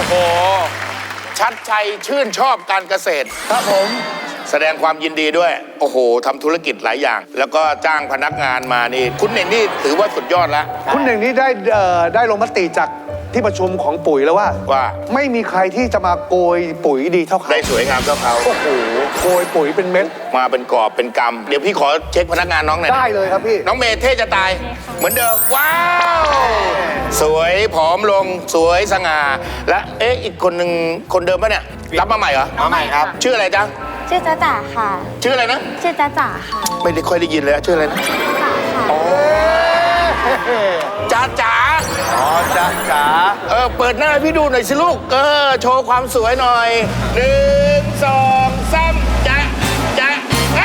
โหชัดชัยชื่นชอบการเกษตรครับผมแสดงความยินดีด้วยโอ้โหทำธุรกิจหลายอย่าง แล้วก็จ้างพนักงานมานี่คุณเน่งนี่ถือว่าสุดยอดแล้วคุณหนึ่งนี้ได้ลงมติจากที่ประชุมของปุ๋ยแล้วว่าไม่มีใครที่จะมาโกยปุ๋ยดีเท่าเขาได้สวยงามเท่าเขาโอ้โหโกยปุ๋ยเป็นเม็ดมาเป็นกอบเป็นกำเดี๋ยวพี่ขอเช็คพนักงานน้องหน่อยได้เลยครับพี่น้องเมย์เท่จะตายเหมือนเดิมว้าวสวยผอมลงสวยสง่าและอีกคนหนึ่งคนเดิมปะเนี่ยรับมาใหม่เหรอมาใหม่ครับชื่ออะไรจ๊ะชื่อจ๊ะจ๋าค่ะชื่ออะไรนะชื่อจ๊ะจ๋าค่ะไม่ได้ค่อยได้ยินเลยชื่ออะไรนะจ๊ะจ๋าอ๋อจ๊ะจ๋าเปิดหน้าพี่ดูหน่อยสิลูกโชว์ความสวยหน่อย1 2 3จ๊ะจ๊ะ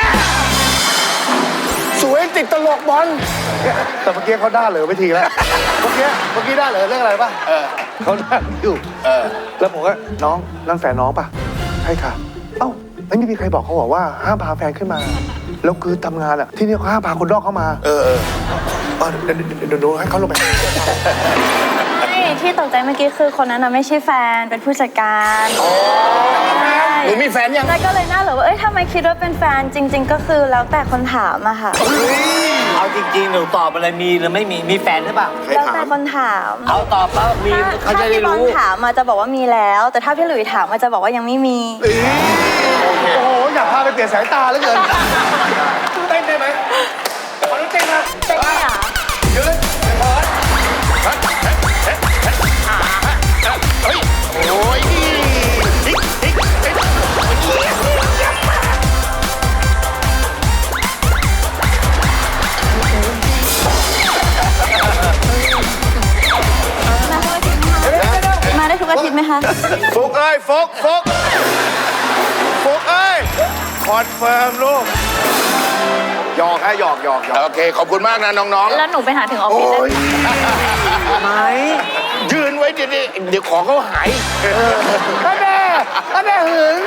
สวยติดตลกบอลแต่เมื่อกี้เขาด่าเหลือไปทีแล้วเมื่อกี้ด่าเหลือเรื่องอะไรป่ะเขาด่าอยู่แล้วผมก็น้องนั่นแฟนน้องป่ะใช่ค่ะเอ้าไม่มีใครบอกเขาบอกว่าห้ามพาแฟนขึ้นมาแล้วคือทำงานอ่ะที่นี่เขาห้ามพาคนนอกเข้ามาเดี๋ยวให้เขาลงไปที่ตกใจเมื่อกี้คือคนนั้นไม่ใช่แฟนเป็นผู้จัดการหนูมีแฟนยังแล้วก็เลยน่าเหลือว่าทำไมคิดว่าเป็นแฟนจริงๆก็คือแล้วแต่คนถามอะค่ะเอาจริงๆหนูตอบอะไรมีหรือไม่มีแฟนหรือเปล่าแล้วแต่คนถามเอาตอบแล้วมีเขาจะได้รู้ถ้าพี่บอลถามมาจะบอกว่ามีแล้วแต่ถ้าพี่หลุยถามมาจะบอกว่ายังไม่มีโอ้โหอยากพาไปเปลี่ยนสายตาแล้วเกินเต้นได้ไหมขอเต้นนะเต้นไม่หรอเดี๋ยวเลยโอ้ยมาได้ทุกอาทิตย์ไหมคะฟุกเอ้ยฟุกเอ้ยคอนเฟิร์มลูกหยอกโอเคขอบคุณมากนะน้องๆแล้วหนูไปหาถึงออฟฟิศเลยไหมยืนไว้เดี๋ยวของเขาหายก็แม่หืน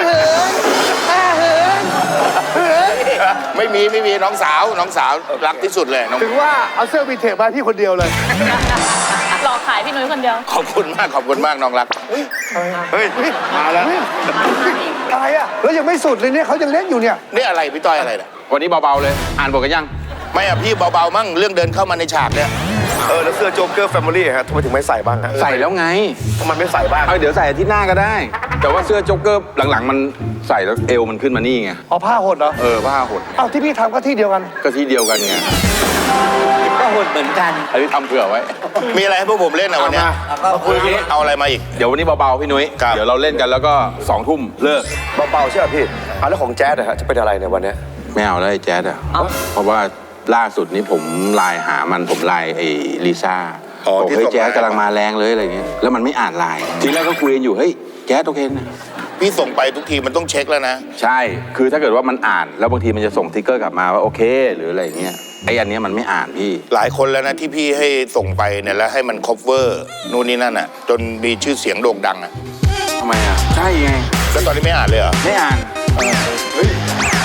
ไม่มีน้องสาวรักที่สุดเลยถึงว่าเอาเสื้อวินเทจมาพี่คนเดียวเลยหลอกขายพี่นุ้ยคนเดียวขอบคุณมากน้องรักเฮ้ยมาแล้วอะไรอ่ะแล้วยังไม่สุดเลยเนี่ยเขายังเล่นอยู่เนี่ยนี่อะไรพี่ต้อยอะไรเนี่ยวันนี้เบาๆเลยอ่านบทกันยังไม่อะพี่เบาๆมั่งเรื่องเดินเข้ามาในฉากเนี่ยแล้วเสื้อโจ๊กเกอร์แฟมิลี่ฮะทำไมถึงไม่ใส่บ้างฮะใส่แล้วไงทำไมไม่ใส่บ้างเดี๋ยวใส่อาทิตย์หน้าก็ได้แต่ว่าเสื้อโจ๊กเกอร์หลังๆมันใส่แล้วเอวมันขึ้นมานี่ไงผ้าหดเหรอผ้าหดที่พี่ทำก็ที่เดียวกันไงก็หดเหมือนกันอันนี้ทำเผื่อไว้มีอะไรให้พวกผมเล่นนะวันนี้เอาอะไรมาอีกเดี๋ยววันนี้เบาๆพี่นุ้ยเดี๋ยวเราเล่นกันแล้วก็2 ทุ่มเลิกเบาๆใช่ไหมพี่แล้วของแจ๊ดฮะจะเป็นอะไรในวันนี้ไม่เอาแล้วไอ้แจ๊ดเพราะว่าล่าสุดนี้ผมไลน์หามันผมไลน์ไอ้ลิซ่าบอกเฮ้ยแจ๊ดกำลังมาแรงเลยอะไรเงี้ยแล้วมันไม่อ่านไลน์ทีแรกก็คุยกันอยู่เฮ้ยแจ๊ดโอเคนะพี่ส่งไปทุกทีมันต้องเช็คแล้วนะใช่คือถ้าเกิดว่ามันอ่านแล้วบางทีมันจะส่งทิกเกอร์กลับมาว่าโอเคหรืออะไรเงี้ยไอ้อันนี้มันไม่อ่านพี่หลายคนแล้วนะที่พี่ให้ส่งไปเนี่ยแล้วให้มันคอฟเวอร์นู่นนี่นั่นอ่ะจนมีชื่อเสียงโด่งดังอ่ะทำไมอ่ะใช่ไงแล้วตอนนี้ไม่อ่านเลยเหรอไม่อ่านเฮ้ย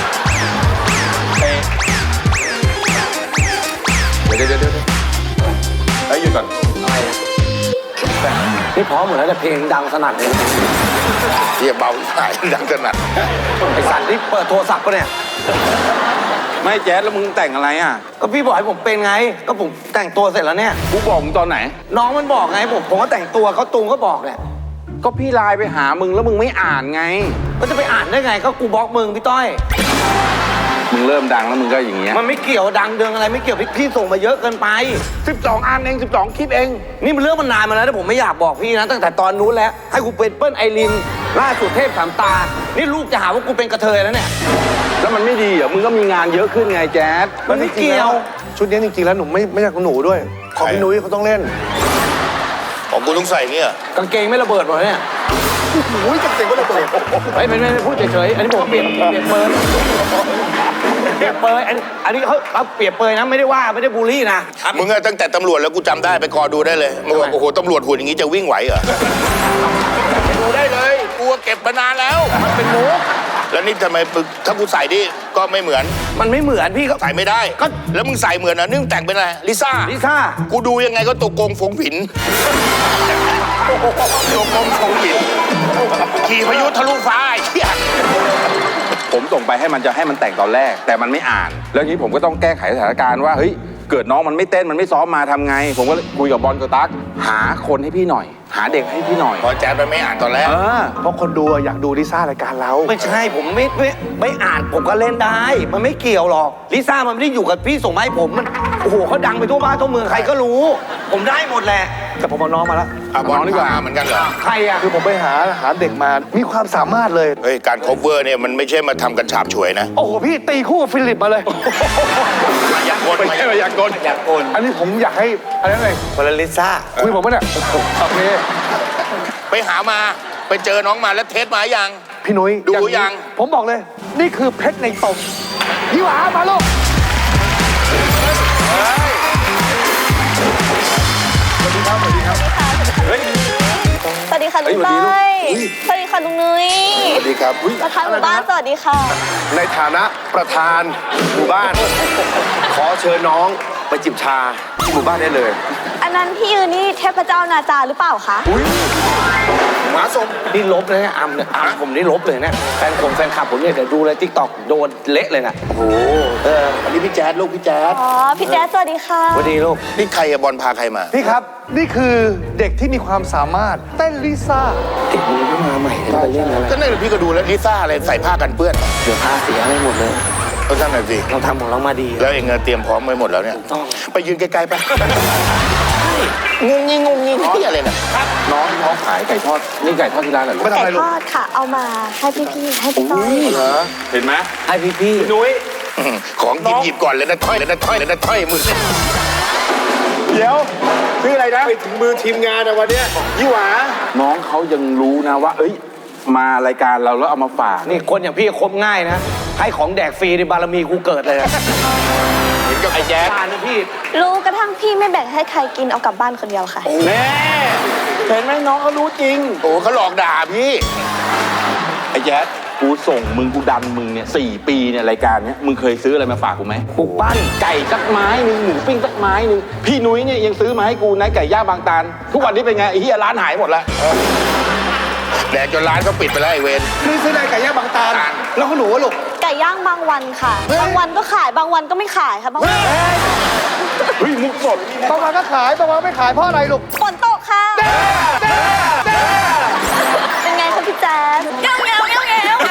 เดี๋ยวหยุดก่อนนี่พร้อมหมดแล้วแต่เพลงดังสนั่นเลยเรียบเบาสายดังสนั่นไอ้สันนี่เปิดโทรศัพท์ปะเนี่ยไม่แจ๊ดแล้วมึงแต่งอะไรอ่ะก็พี่บอกให้ผมเป็นไงก็ผมแต่งตัวเสร็จแล้วเนี่ยกูบอกมึงตอนไหนน้องมันบอกไงผมก็แต่งตัวเขาตูงก็บอกแหละก็พี่ไลน์ไปหามึงแล้วมึงไม่อ่านไงก็จะไปอ่านได้ไงก็กูบล็อกมึงพี่ต้อยมึงเริ่มดังแล้วมึงก็อย่างเงี้ยมันไม่เกี่ยวดังเดืองอะไรไม่เกี่ยวพี่ส่งมาเยอะเกินไป 12 อันเอง12 คลิปเองนี่มันเรื่องมันนานมาแล้วแต่ผมไม่อยากบอกพี่นะตั้งแต่ตอนนู้นแล้วให้กูเป็นเปิ้ลไอรินล่าสุดเทพสามตานี่ลูกจะหาว่ากูเป็นกระเทยแล้วเนี่ยแล้วมันไม่ดีเหรอมึงก็มีงานเยอะขึ้นไงแจ๊ดมันไม่เกี่ยวชุดนี้จริงๆแล้วหนูไม่ใช่ของหนูด้วยของพี่นุ้ยเขาต้องเล่นของกูต้องใส่เงี้ยกางเกงไม่ระเบิดหมดเนี่ยโอ้ยกางเกงก็ระเบิดไม่พูดเฉยๆอันนี้ผมเปลี่ยนเปยอันนี้เขาเปรียบเปยนะไม่ได้ว่าไม่ได้บูลลี่นะมึงอะตั้งแต่ตำรวจแล้วกูจำได้ไปกอดูได้เลยมึงบอกโอ้โหตำรวจหุ่นอย่างงี้จะวิ่งไหวเหรอดูได้เลยกูเก็บมานานแล้วมันเป็นมุกแล้วนี่ทำไมถ้ากูใส่ดิก็ไม่เหมือนมันไม่เหมือนพี่ก็ใส่ไม่ได้ก็แล้วมึงใส่เหมือนนะนึ่งแต่งเป็นอะไรลิซ่าลิซ่ากูดูยังไงก็ตัวโกงฝงผินโยกลมทรงหินขี่พายุทะลุฟ้าไอ้เหี้ยผมส่งไปให้มันแต่งตอนแรก แต่มันไม่อ่าน แล้วทีนี้ผมก็ต้องแก้ไขสถานการณ์ว่าเฮ้ยเกิดน้องมันไม่เต้นมันไม่ซ้อมมาทำไง ผมก็เลยคุยกับบอลกับตั๊กหาคนให้พี่หน่อย หาเด็กให้พี่หน่อยพอแจ๊ดมันไม่อ่านตอนแรกเพราะคนดูอะอยากดูลิซ่ารายการเราไม่ใช่ผมไม่อ่านผมก็เล่นได้ มันไม่เกี่ยวหรอกลิซ่ามันไม่ได้อยู่กับพี่ส่งมาให้ผมมันโอ้โหเขาดังไปทั่วบ้านทั่วเมืองใครก็รู้ ผมได้หมดแหละแต่ผมเอาน้องมาแล้วบอลดีกว่าเหมือนกันเหรอใครอ่ะคือผมไปหาเด็กมา มีความสามารถเลยเฮ้ย การ cover เนี่ยมันไม่ใช่มาทำกันฉาบฉวยนะโอ้โห พี่ตีคู่กับฟิลิปมาเลยอยากกลไม่ใช่อยากกลอยากโกนอันนี้ผมอยากให้อะไรนั่นเลยคนละลิซ่าคุยผมปะเนี่ยโอเคไปหามาไปเจอน้องมาแล้วเทสมายังพี่นุ้ยดูอนี้ยังผมบอกเลย นี่คือเพชรในตมพี่หวามาลูกสวัสดีค่ะลุงเต้ยสวัสดีค่ะลุงนุ้ยสวัสดีครับประธานหมู่บ้านสวัสดีค่ะในฐานะประธานหมู่บ้าน ขอเชิญน้องไปจิบชาที่หมู่บ้านได้เลยอันนั้นที่ยืนนี่เทพเจ้านาจาหรือเปล่าคะหมาสมนี่ลบเลยนะอัมเนี่ยอัมผมนี่ลบเลยนะแฟนคลับผมเนี่ยเดี๋ยวดูเลยทิกตอกโดนเละเลยนะโอ้โหอันนี้พี่แจ๊ดลูกพี่แจ๊ดอ๋อ พี่แจ๊สสวัสดีค่ะสวัสดีลูกนี่ใครอะบอลพาใครมาพี่ครับ นี่คือเด็กที่มีความสามารถเต้นลิซ่าเด็กมึงก็มาใหม่เลยไปเล่นอะไรก็นั่นแหละพี่ก็ดูแล้วลิซ่าอะไรใส่ผ้ากันเปื้อนเดี๋ยวพาเสียให้หมดเลยก็นั่นแหละสิเราทำของเรามาดีแล้วเองเตรียมพร้อมไว้หมดแล้วเนี่ยต้องไปยืนไกลๆไปงงงิงที่อะไรเนี่ยน้องที่เขาขายไก่ทอดนี่ไก่ทอดที่ร้านเหรอลูกไม่ทำไก่อะไรลูทกอดค่ะ เอามาให้พี่ๆให้พี่ต้อยเห็นไหมให้พี่นุ้ยของหยิบก่อนเลยนะถ้อยเลยนะถ้อยเลยนะถ้อยมือเดี๋ยวชื่ออะไรนะไปถึงมือทีมงานนะวันเนี้ยยี่หวาน้องเขายังรู้นะว่า เอ้ย มารายการเราแล้วเอามาฝากๆนี่คนอย่างพี่คบง่ายนะ ให้ของแดกฟรีในบารมีกูเกิดเลยนะเห็นกับไอ้แจ๊ดทานนะพี่รู้กระทั่งพี่ไม่แบ่งให้ใครกินเอากลับบ้านคนเดียวค่ะแน่เห็นไหมน้องเขารู้จริงโอ้เขาหลอกด่าพี่ไอ้แจ๊ดกูส่งมึงกูดันมึงเนี่ย4 ปีเนี่ยรายการเนี้ยมึงเคยซื้ออะไรมาฝากกูไหมปลูกปั้นไก่สักไม้หนึ่งหมูปิ้งสักไม้หนึ่งพี่นุ้ยเนี่ยยังซื้อมาให้กูนะไก่ย่างบางตาลทุกวันนี้เป็นไงไอ้เหี้ยร้านหายหมดแล้วแดกจนร้านก็ปิดไปแล้วไอ้เวรนี่ซื้อในไก่ย่างบางตาลแล้วก็หนูว่าลูกไก่ย่างบางวันค่ะ บางวันก็ขายบางวันก็ไม่ขายค่ะบางวันเฮ้ยมุกสดบางวันก็ขายบางวันไม่ขายเพราะอะไรลูกฝนตกค่ะเป็นไงคะพี่แจ๊สเงี้ยวเงี้ยวเงี้ยวเงี้ยว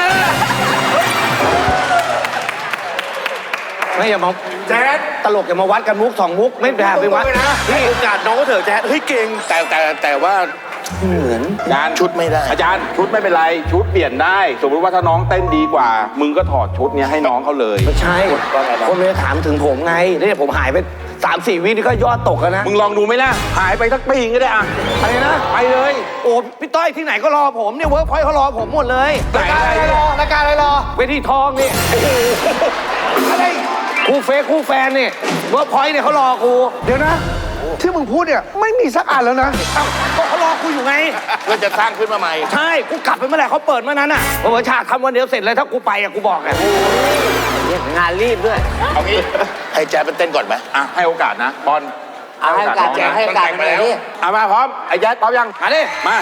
ไม่อย่ามาแจ๊ดตลกอย่ามาวัดกันมุก2 มุกไม่ได้ไปวัดให้โอกาสน้องก็เถอะแจ๊ดเฮ้ยเก่งแต่ว่าอาจารย์ชุดไม่ได้อาจารย์ชุดไม่เป็นไรชุดเปลี่ยนได้ สมมติว่าถ้าน้องเต้นดีกว่า มึงก็ถอดชุดเนี้ยให้น้องเขาเลยไม่ใช่ คนเลยถามถึงผมไงเนี่ยผมหายไป 3-4 วินี่ก็ยอดตกแล้วนะมึงลองดูไหมล่ะหายไปสักปีก็ได้อะอะไรนะไปเลยโอ้พี่ต้อยที่ไหนก็รอผมเนี่ยเวิร์กพอยต์เขารอผมหมดเลยรายการอะไรรอรายการอะไรรอเวทีทองนี่อะไรคู่เฟซคู่แฟนนี่เวิร์กพอยต์เนี่ยเขารอกูเดี๋ยวนะ ที่มึงพูดเนี่ยไม่มีสักอันแล้วนะเอ้าก็เขารอกูอยู่ไงเพื่อจะสร้างขึ้นมาใหม่ใช่ กูกลับไปเมื่อไหร่เขาเปิดเมื่อนั้นอ่ะเออฉากทำวันเดียวเสร็จเลยถ้ากูไปอ่ะกูบอกไงงานรีบด้วยเอางี้ให้แจ๊ดเป็นเต้นก่อนไหมอ่ะให้โอกาสนะบอลให้โอกาสน้งนะให้โอกาสมันแต่งมาแล้วอ่ะมาพร้อมไอ้แจ๊ดพร้อมยังมาดิมา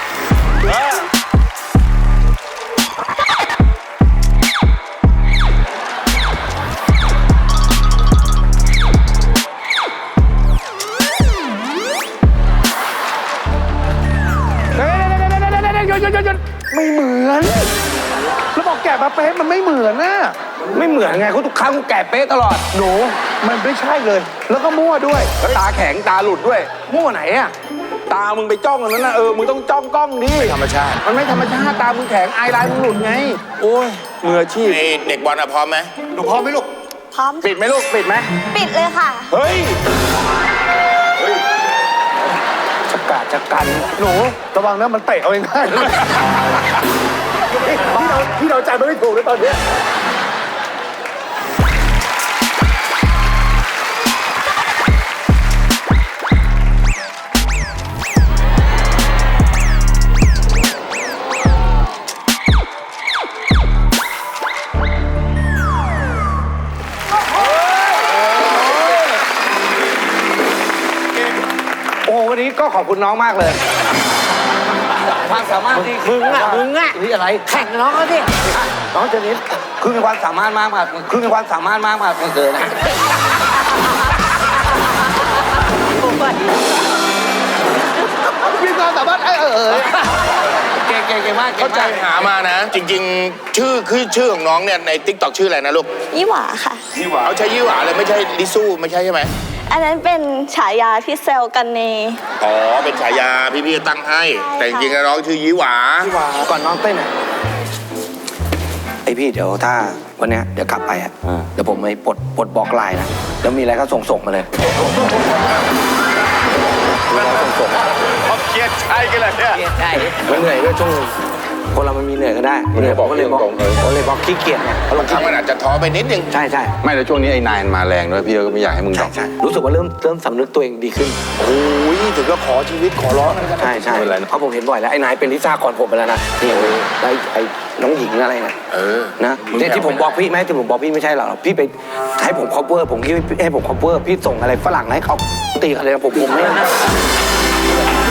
ไม่เหมือนแล้วบอกแกะมาเป๊ะมันไม่เหมือนนะไม่เหมือนไงเขาทุกครั้งกูแก่เป๊ะตลอดหนูมันไม่ใช่เลย แล้วก็มั่วด้วยแล้วตาแข็งตาหลุดด้วยมั่วไหนอ่ะตามึงไปจ้องอันนั้นนะมึงต้องจ้องกล้องดิธรรมชาติมันไม่ธรรมชาติตามึงแข็งไอไลน์มึงหลุดไง โอ้ยมืออาชีพไอ้เด็กบอลอะพร้อมไหมหนูพร้อมไหมลูกพร้อมปิดไหมลูกปิดไหมปิดเลยค่ะเฮ้ยจะกาดจะกันหนูระวังนะมันเตะเอาเองง่ายพี่เราใจมันไม่ถูกเลยตอนเนี้ยโอ้วันนี้ก็ขอบคุณน้องมากเลยความสามารถที่มึงอ่ะนี่อะไรแข่งน้องเขาดิน้องเจนิสคือมีความสามารถมากคือมีความสามารถมากเกินนะมีความสามารถเก่งมากเข้าใจหามานะ จริงๆ ชื่อของน้องเนี่ยในติ๊กต็อกชื่ออะไรนะลูกยี่หวาค่ะเอาใช้ยี่หวาเลยไม่ใช่ลิซูไม่ใช่ใช่ไหมอันนั้นเป็นฉายาที่เซลกันในอ๋อเป็นฉายาพี่ๆตั้งให้ แต่จริงๆแล้วน้องชื่อยี่หวาก่อนน้องเต้นอ่ะไอพี่เดี๋ยวถ้าวันเนี้ยเดี๋ยวกลับไปอ่ะเดี๋ยวผมไปปลดบล็อกไลน์นะแล้วมีอะไรก็ส่งมาเลยเขาเครียดใช่กันเลยเนี่ยใช่มันเหนื่อยด้วยช่วงคนเรามันมีเหนื่อยก็ได้เหนื่อยผมก็เลยบล็อกขี้เกียจไงเขาลงครั้งมันอาจจะท้อไปนิดนึงใช่ไม่แล้วช่วงนี้ไอ้นายมันมาแรงด้วยพี่ก็ไม่อยากให้มึงดรอปใช่รู้สึกว่าเริ่มสำนึกตัวเองดีขึ้นโอ้ยถึงก็ขอชีวิตขอร้องอะไรกันใช่เพราะผมเห็นบ่อยแล้วไอ้นายเป็นลิซ่าก่อนผมไปแล้วนะนี่ไอ้น้องหญิงอะไรนะนะที่ผมบอกพี่ไหมที่ผมบอกพี่ไม่ใช่หรอกพี่ไปให้ผม cover ผมคิดให้ผม cover พี่ส่งอะไรฝรั่งให้เขาตีอะไรนะผมไม่นะ